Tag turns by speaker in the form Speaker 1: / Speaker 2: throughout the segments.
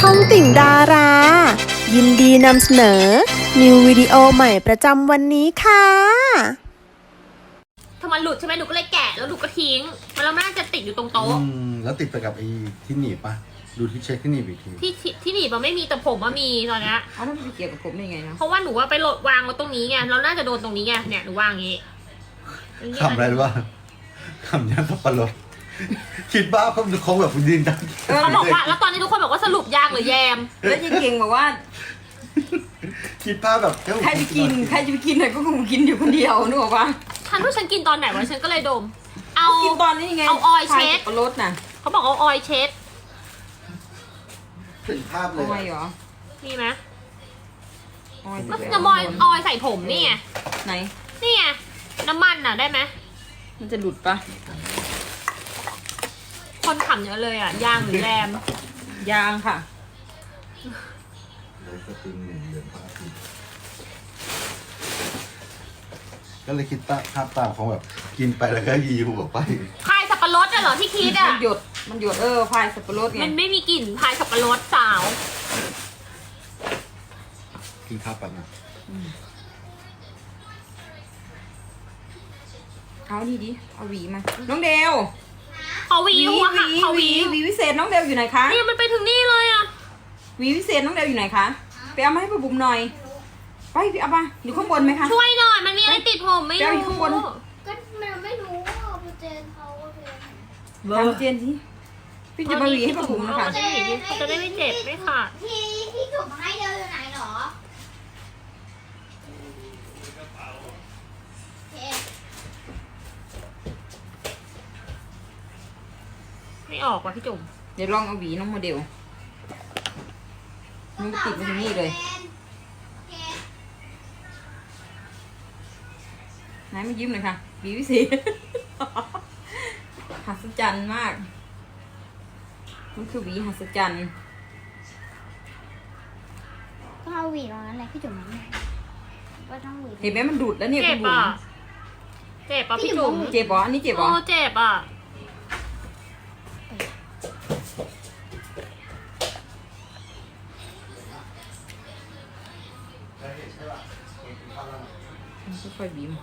Speaker 1: องติ่งดารา ยินดีนำเสนอ นิววิดีโอใหม่ประจำวันนี้ค่ะ
Speaker 2: ถ้ามันหลุดใช่ไหมหนูก็เลยแกะแล้วหนูก็ทิ้งแล้วมันน่าจะติดอยู่ตรงโต๊ะ
Speaker 3: แล้วติดไปกับไอ้ที่หนีบปะดูที่เช็คที่หนีบอีกที
Speaker 2: ที่หนีบมันไม่มีแต่ผมว่ามีตอนนี้
Speaker 4: เอาแล้วมันไปเกี่ยวกับผมได้ไงนะ
Speaker 2: เพราะว่าหนูว่าไปโหลดวางไว้ตรงนี้ไงเราน่าจะโดนตรงนี้ไงเนี่ยหนูวางอย่างงี้
Speaker 3: ขำอะไรรู้ป่ะขำยันสับปะรดคิดบ้าเขาแบบยืนดัง
Speaker 2: เขาบอกว่าแล้วตอนนี้ทุกคนบอกว่าสรุปยางหรือแยม
Speaker 4: แล้วยังเก่งบอกว่า
Speaker 3: คิดภาพแบบ
Speaker 4: ใครไปกินใครจะไปกินไหนก็คงกินอยู่คนเดียวนึกออกปะ
Speaker 2: ฉันว่าฉันกินตอนไหนวะฉันก็เลยดม เอา
Speaker 4: กินตอนนี้ไง
Speaker 2: เอาออยล์เช็ด
Speaker 4: พายสับปะรดน่ะ
Speaker 2: เขาบอกเอาออยล์เช็ด
Speaker 3: ถึงภาพเล
Speaker 4: ออย
Speaker 3: ย
Speaker 4: เหรอ
Speaker 2: มีไหม
Speaker 4: ออย
Speaker 2: ก็จะมอยออยล์ใส่ผมนี่ไง
Speaker 4: ไหน
Speaker 2: นี่ไงน้ำมันน่ะได้ไหม
Speaker 4: มันจะหลุดปะ
Speaker 2: คนขำเยอะเลยอ่ะยางหรือแยม
Speaker 4: ยางค่ะ
Speaker 3: เลยสปริงหนึ่งเดือนพระอาทิตย์ก็เลยคิดภาพตามของแบบกินไปแล้วก็ยีหัวไป
Speaker 2: พายสับปะรดอะเหรอที่คิดอะ
Speaker 4: มันหยดพายสับปะรดไง
Speaker 2: มันไม่มีกลิ่นพายสับปะรดสาว
Speaker 3: กินข้าวไปนะ
Speaker 4: เอานี่ดิเอาหวีมาน้องเดว
Speaker 2: ขอหวีหัวค่ะขอหวี
Speaker 4: หวีวิเศษน้องเดวอยู่ไหนคะ
Speaker 2: นี่มันไปถึงนี่เลยอะ
Speaker 4: หวีวิเศษน้องเดวอยู่ไหนคะไปเอามาให้ป้าบุ๋มหน่อยไปเอามาอยู่ข้างบนไหมคะ
Speaker 2: ช่วยหน่อยมันมีอะไรติดผมไม่
Speaker 4: แก้วอยู่
Speaker 2: รู้
Speaker 4: ข้างบน
Speaker 5: ก็มันไม่รู้ว่าโปรเจนเขาโอเค
Speaker 4: ทำเจนสิพี่จะมาหวีให้ป้าบุ๋มนะคะ
Speaker 2: เขาจะได้หวีเขาจะได้ไม่เจ็บไม่ขาด
Speaker 5: ที่จุ่มให้เดียวอยู่ไหนหรอโอเค
Speaker 2: ไม่ออกว่ะพี่จุ๋ม
Speaker 4: เดี๋ยวลองเอาหวีน้องโมเดลมันติดมาที่นี่เลย
Speaker 5: โอเค
Speaker 4: ไหนมายิ้มเลยค่ะหวีวิเศษ หัศจรรย์มาก มันคือหวีหัศจรรย์
Speaker 5: ก็เอาหวีตรงนั้นแหละพี่จุ๋มว่าต้องหวี
Speaker 4: เห็นไหมมันดูดแล้วเนี่ย
Speaker 2: เจ็
Speaker 4: คุ
Speaker 2: บ
Speaker 4: ณบุ๋
Speaker 2: อ่ะ
Speaker 4: ม
Speaker 2: เจ็บอ่ะพี่จุ๋ม
Speaker 4: เจ็บเหรออันนี้เจ็บเหร
Speaker 2: โอ้
Speaker 4: อ
Speaker 2: เจ็บอ่ะ
Speaker 4: ค่อยๆบีม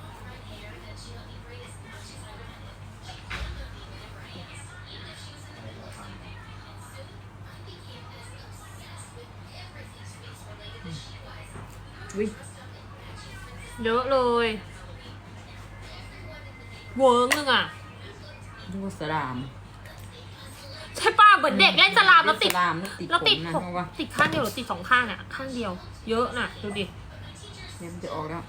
Speaker 4: วิ
Speaker 2: เยอะเลยเวิร์กนึงอ่ะ
Speaker 4: ดูสลาม
Speaker 2: ใช่ป่ะเหมือนเด็กเล่นสลามแล้วติด
Speaker 4: สลามแล้วติด
Speaker 2: แล้วติด
Speaker 4: ผมนะ
Speaker 2: ผม
Speaker 4: เพราะว่า
Speaker 2: ติดข้างเดียวหรือติดสองข้างเนี่ยข้างเดียว เยอะน่ะดูดิ
Speaker 4: เนี่ยมันจะออกแล้ว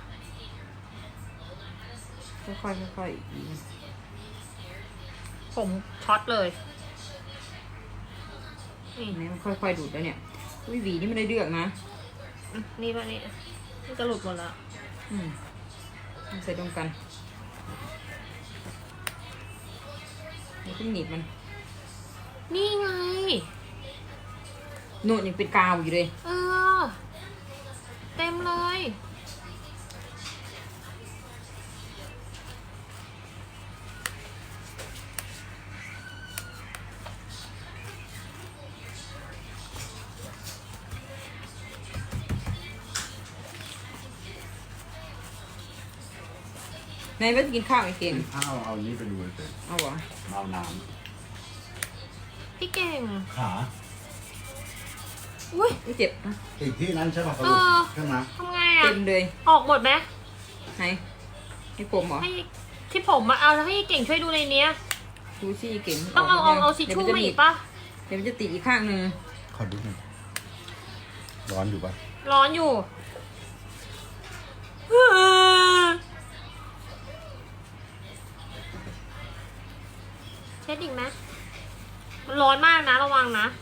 Speaker 4: ค่อยๆค่อยๆบีม
Speaker 2: ผมช็อตเลยนี่
Speaker 4: เนี่ยมันค่อยๆดูดแล้วเนี่ยวิหวีนี่ไม่ได้เลือกนะ
Speaker 2: นี่ป่ะนี่นี่จะหลุดหมดแล้ว
Speaker 4: อืมเอาใส่ตรงกันแล้วก็หนีบมัน
Speaker 2: นี่ไง
Speaker 4: โน่นยังเป็นกาวอยู่เลย
Speaker 2: เออ เต็มเลย
Speaker 4: นายว่าจะกินข้าวไอ้เก่ง
Speaker 3: กินข้าวเอานี้ไปดูเลย
Speaker 4: เอาเหรอ
Speaker 3: เอาน้
Speaker 2: พี่เก่ง
Speaker 3: ำขา
Speaker 2: อุ้ย
Speaker 4: ไม่เจ็บนะ
Speaker 3: อีกที่นั้นใช่ป่ะ
Speaker 2: เออ
Speaker 3: ใช่ไหม
Speaker 2: ทำไง
Speaker 4: เต็
Speaker 2: อ่ะ
Speaker 4: มเลย
Speaker 2: ออกหมดไหม
Speaker 4: ไหนให้ผมเหรอ
Speaker 2: ให้ที่ผมมาเอาแล้วให้เก่งช่วยดูในเนี้ย
Speaker 4: ดูซี่เก่ง
Speaker 2: ต้องเอาทิชชู่มาอีกปะ
Speaker 4: เดี๋ยวมันจะติดอีกข้างหนึ่ง
Speaker 3: ขอดูหน่อยร้อนอยู่ป่ะ
Speaker 2: ร้อนอยู่ เช็ดอีกไหมมันร้อนมากนะระวังนะ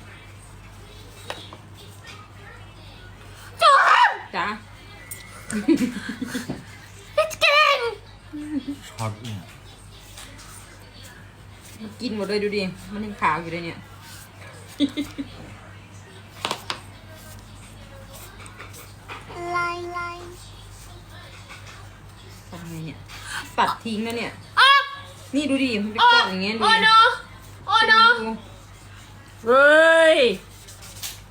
Speaker 2: จุ๊บ
Speaker 4: จ้า
Speaker 2: พี่เก่ง
Speaker 3: ช็อตเนี่ย
Speaker 4: กินหมดเลยดูดิ มันยังขาวอยู่เลยเนี่ย
Speaker 5: ไล่ไล่
Speaker 4: ทำไงเนี่ย ตัดทิ้งแล้วเนี่ย
Speaker 2: อ่ะ
Speaker 4: นี่ดูดิ มันเป็น
Speaker 2: โอ้
Speaker 4: ก้อนอย่างเงี้ยดู
Speaker 2: โอ้
Speaker 4: ดิ
Speaker 2: โนโอ้โน
Speaker 4: ดู
Speaker 2: เฮ้ย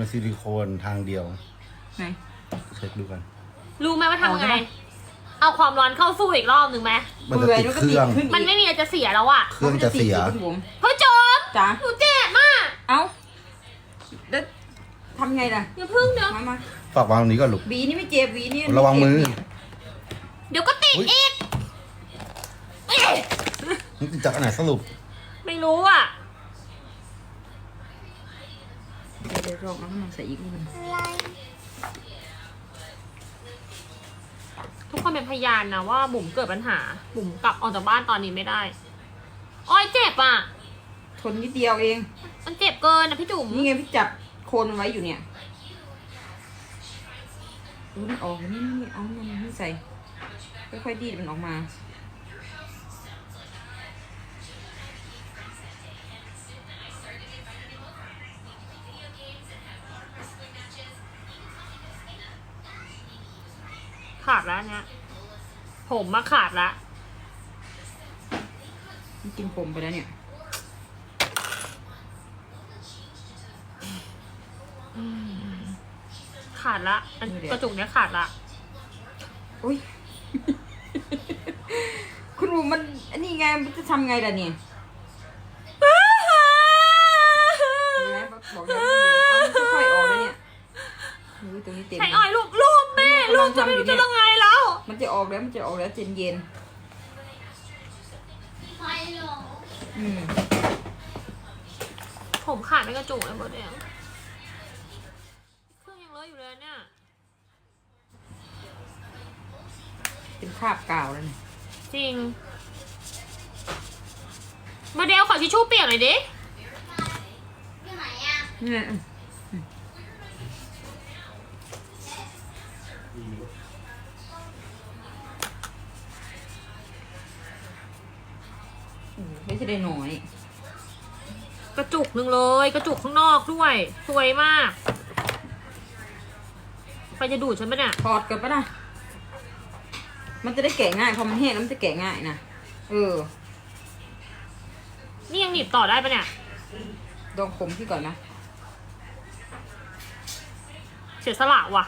Speaker 3: ซิลิโคนทางเดียว
Speaker 4: ไหน
Speaker 3: เช็คดูกัน
Speaker 2: รู้ไหมว่าทำไง
Speaker 4: เอาได้ปะ
Speaker 2: เอาความร้อนเข้าสู้อีกรอบหนึ่งไหม
Speaker 3: มันจะติดเครื่อง
Speaker 4: ขึ้น
Speaker 2: มันไม่มีอะไรจะเสียแล้วอะ
Speaker 3: เครื่องจะเสีย
Speaker 4: คุณบุ๋ม
Speaker 2: เฮ้ยโจม
Speaker 4: จ๋า
Speaker 2: หนูเจ็บมาก
Speaker 4: เอ้าแล้วทำไงล่ะ
Speaker 2: อย่าพึ่งเนอะ
Speaker 4: มา
Speaker 3: ฝากวางตรงนี้ก่อนลูก
Speaker 4: หวีนี่ไม่เจ็บหวีนี่
Speaker 3: ระวังมือ
Speaker 2: เดี๋ยวก็ติด
Speaker 3: อุ๊ย
Speaker 2: อีกเอ๊ะ
Speaker 3: นี่ติดจากอันไหนสรุป
Speaker 2: ไม่รู้อะ
Speaker 4: เดี๋ยวลองเอาน้ำมันใส่อีกนิดนึง
Speaker 2: ทุกคนเป็นพยานนะว่าบุ๋มเกิดปัญหา บุ๋มกลับออกจากบ้านตอนนี้ไม่ได้อ้อยเจ็บอะ
Speaker 4: ทนนิดเดียวเอง
Speaker 2: มันเจ็บเกินนะพี่จุ๋ม
Speaker 4: นี่ไงพี่จับโคนมันไว้อยู่เนี่ยดูมันออกนี่เอามันไม่ใส่ค่อยๆดีดมันออกมา
Speaker 2: ขาดแล้วเนี่ยผมมาขาดละ
Speaker 4: มันกินผมไปแล้วเนี่ย
Speaker 2: ขาดละอันกระจุกเนี้ยขาดละ
Speaker 4: อุ้ย คุณบุ๋มมันอันนี้ไงมันจะทำไงล่ะเนี่ยเห็นไหมบอกแล้วเอามันค่อยๆออกแล้วเนี่ยดูตรงนี้เต็ม
Speaker 2: ใช้อ้อยลูกแม่ลูกจะไม่รู้จะยังไงแล้ว
Speaker 4: มันจะออกแล้วเย็นเย็นอืม
Speaker 2: ผมขาดไม่กระจุกเลยหมดเลยเครื่องยังเลอะอยู่เลยเนี่ย
Speaker 4: เป็นคราบกาวแล้วเนี่ย
Speaker 2: จริงโมเดลขอทิชชู่เปียกหน่อยดิ
Speaker 4: เนี่ยไม่ใช่ได้น้อย
Speaker 2: กระจุกหนึ่งเลยกระจุกข้างนอกด้วยสวยมากใครจะดูดฉันปะเนี่ย
Speaker 4: ถอดกันปะนะมันจะได้แกะง่ายพอมันแห้งแล้วมันจะแกะง่ายนะ
Speaker 2: นี่ยังหนีบต่อได้ปะเนี่ย
Speaker 4: ลองคมพี่ก่อนนะ
Speaker 2: เสียสละว่ะ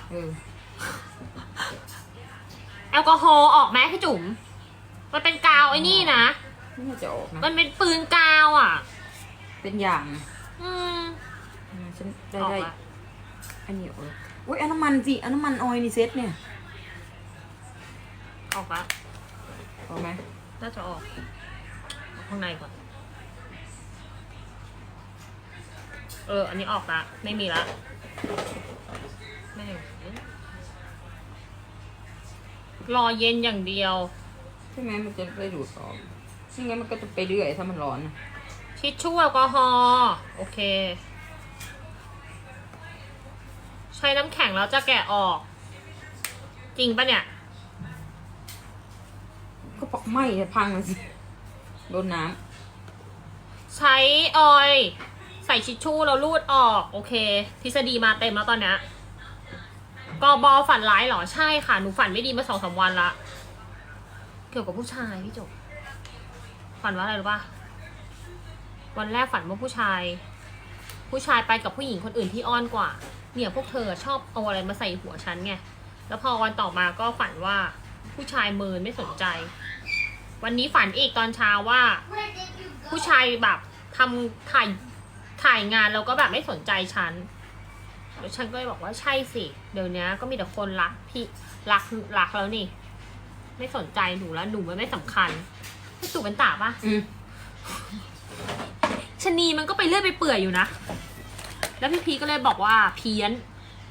Speaker 2: แอลกอฮอล์ออกไหมพี่จุ๋มมันเป็นกาวไอ้นี่นะ
Speaker 4: ไม่น่าจะออกนะ
Speaker 2: มันเป็นปืนกาวอ่ะ
Speaker 4: เป็นอย่างนะ
Speaker 2: อืม
Speaker 4: ฉันได้
Speaker 2: ออก
Speaker 4: ได้
Speaker 2: ละ
Speaker 4: อันนี้ออกแล้วอุ้ยเอาน้ำมันสิเอาน้ำมันออยล์นี่เซ็ตเนี่ย
Speaker 2: ออกละ
Speaker 4: ออกไหม
Speaker 2: น่าจะออกข้างในก่อนอันนี้ออกละไม่มีละไม่รอเย็นอย่างเดียว
Speaker 4: ใช่ไหมมันจะได้ดูดออกไม่งั้นมันก็จะไปเรื่อยถ้ามันร้อนนะ
Speaker 2: ทิชชู่แอลกอฮอล์โอเค ใช้น้ำแข็งแล้วจะแกะออก จริงปะเนี่ย
Speaker 4: ก็ปอกไหม้จะพังเลยสิโดนน้
Speaker 2: ใช้ออยล์ใส่ทิชชู่แล้วรูดออกโอเค ทฤษฎีมาเต็มแล้วตอนเนี้ยกบฝันร้ายเหรอใช่ค่ะหนูฝันไม่ดีมา2-3 วันละเกี่ยวกับผู้ชายพี่จบฝันว่าอะไรรู้ป่ะวันแรกฝันว่าผู้ชายไปกับผู้หญิงคนอื่นที่อ้อนกว่าเนี่ยพวกเธอชอบเอาอะไรมาใส่หัวฉันไงแล้วพอวันต่อมาก็ฝันว่าผู้ชายเมินไม่สนใจ วันนี้ฝันอีกตอนเช้าว่า ผู้ชายแบบทำถ่ายงานแล้วก็แบบไม่สนใจฉันแล้วฉันก็เลยบอกว่าใช่สิเดี๋ยวนี้ก็มีแต่คนรักพี่รักแล้วนี่ ไม่สนใจหนูแล้วหนูมันไม่สำคัญพี่ตู่เป็นตาปะ
Speaker 4: ำ
Speaker 2: ชะนีมันก็ไปเลื่อยไปเปื่อยอยู่นะแล้วพี่พีก็เลยบอกว่าเพี้ยน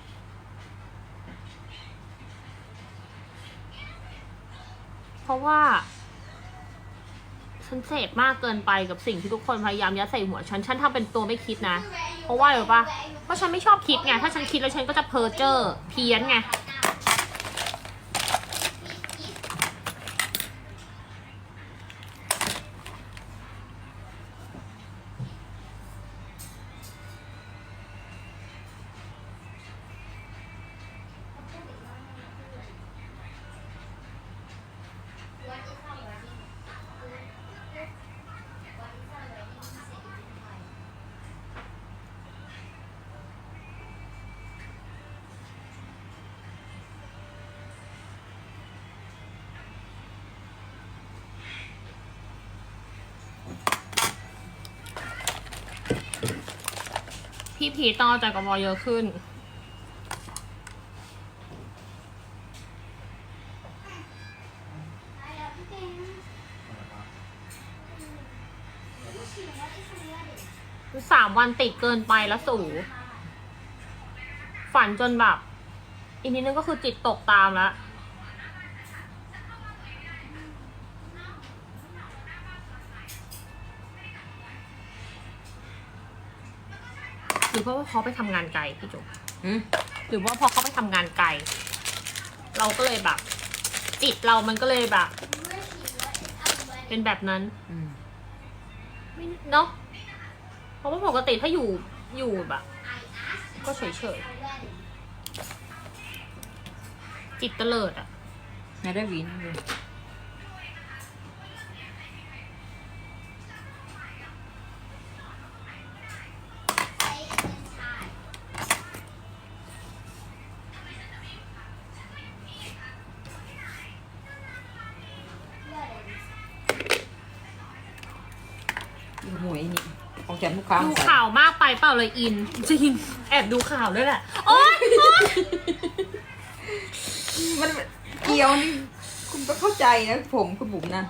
Speaker 2: เพราะว่าฉันเสพมากเกินไปกับสิ่งที่ทุกคนพยายามยัดใส่หัวฉันทำเป็นตัวไม่คิดนะเพราะว่าอะไรปะเพราะฉันไม่ชอบคิดไงถ้าฉันคิดแล้วฉันก็จะเพ้อเจ้อเพี้ยนไงพี่พีชต้องเอาใจกบเยอะขึ้น 3 วันติดเกินไปแล้วสู่ ฝันจนแบบ อีกนิดนึงก็คือจิตตกตามแล้ว หรือเพราะว่าเขาไปทำงานไกลพี่จุ๊บ
Speaker 4: หืม
Speaker 2: หรือว่าพอเขาไปทำงานไกล เราก็เลยแบบ จิตเรามันก็เลยแบบ เป็นแบบนั้น
Speaker 4: อืม
Speaker 2: ไม่เนาะเพราะว่าปกติถ้าอยู่แบบ ก็เฉยๆจิตเตลิดอ่ะ
Speaker 4: นายได้หวีนเลย ดูหวยนี่ออกจากลูกค้า
Speaker 2: ดู
Speaker 4: ใส่
Speaker 2: ข่าวมากไปเปล่าเลยอิน จริง แอบดูข่าวด้วยแหละ โอ๊ย
Speaker 4: มันเกี่ยวนี่คุณก็เข้าใจนะผมคุณบุ๋มนะ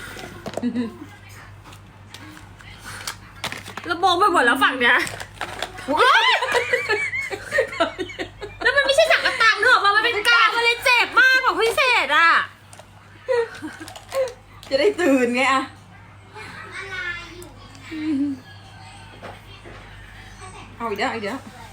Speaker 2: ระบงไปหมดแล้วฝั่งเนี้ยโอ๊ยแล้วมันไม่ใช่สังกะตังเนอะมันเป็นกาวมันเลยเจ็บมากของพิเศษอ่ะ
Speaker 4: จะได้ตื่นไงอะเอาอีกแล้วอีกแล้ว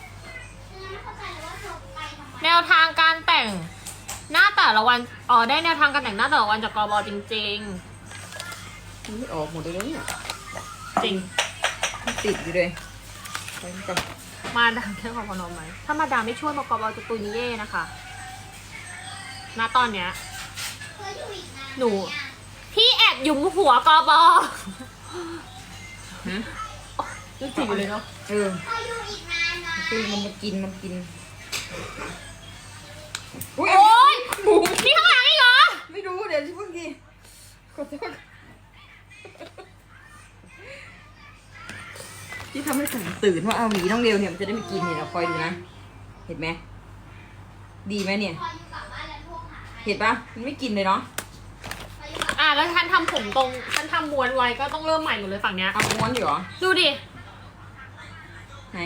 Speaker 2: แนวทางการแต่งหน้าแต่ละวัน อ๋อได้แนวทางการแต่งหน้าแต่ละวันจากกบจริง
Speaker 4: มันไม่ออกหมดเลยแล้วเนี่ย
Speaker 2: ๆ จริง
Speaker 4: มันติดอยู่เลยไปก่อน
Speaker 2: มาดามแค่ขอพนมไหม ถ้ามาดามไม่ช่วยมากบจะตุยนิเย่นะคะ ณ ตอนเนี้ย หนู พี่แอบหยุมหัวกบ
Speaker 4: ฮะ
Speaker 2: นึกถึงอยู่เลยเนาะ
Speaker 4: เออคือมันมากินอุ๊ย
Speaker 2: โอ๊ย
Speaker 4: บุ๋ม
Speaker 2: นี่ข้างหลังอีกเหรอ
Speaker 4: ไม่รู้เดี๋ยวเพิ่งกินขอโทษที่ทำให้ผมตื่นว่าเอาหมีน้องเร็วเนี่ยมันจะได้ไม่กินเนี่ยเราคอยดูนะ เห็นไหมดีไหมเนี่ย เห็นปะมันไม่กินเลยเนาะ
Speaker 2: อ่ะแล้วท่านทำผมตรงท่านทำม้วนไว้ก็ต้องเริ่มใหม่หมดเลยฝั่งเนี้ย
Speaker 4: เอาม้วนอยู่เหรอ
Speaker 2: ดูดิ
Speaker 4: ไหน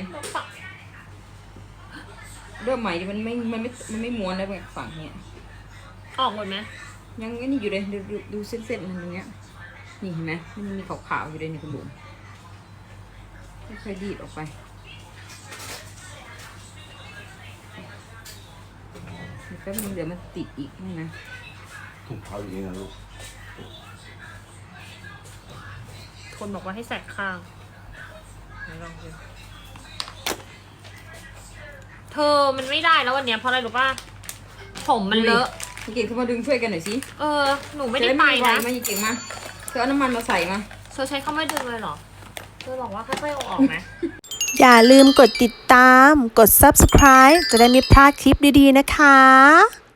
Speaker 4: เริ่มใหม่ดิมันไม่ม้วนแล้วแบบฝั่งเนี้ย
Speaker 2: ออกหมดไหม
Speaker 4: ยังไอ้นี่อยู่เลยดูเส้นมันตรงเนี้ยนี่เห็นไหมมันมีขาวๆอยู่เลยนี่คุณบุ๋มค่อยๆดีดออกไปแป๊บนึงเดี๋ยวมันติดอีกนี่นะ
Speaker 3: ถุงเท้าอยู่นี่นะลูก
Speaker 2: คนบอกว่าให้แสกข้างไหนลองดูเธอมันไม่ได้แล้ววันเนี้ยเพราะอะไรรู้ป่ะ ผมมันเลอะ
Speaker 4: เก่งเข้ามาดึงช่วยกันหน่อยสิ
Speaker 2: เออ หนูไม่ได้ไป
Speaker 4: จ
Speaker 2: นะ
Speaker 4: มาเก่งมาเธอเอาน้ำมันมาใส่มา
Speaker 2: เธอใช้เข้าไม่ดึงเลยเหรอ เธอบอกว่าค่อยๆเอาออกไหม
Speaker 1: อย่าลืมกดติดตาม กด subscribe จะได้ไม่พลาดคลิปดีๆนะคะ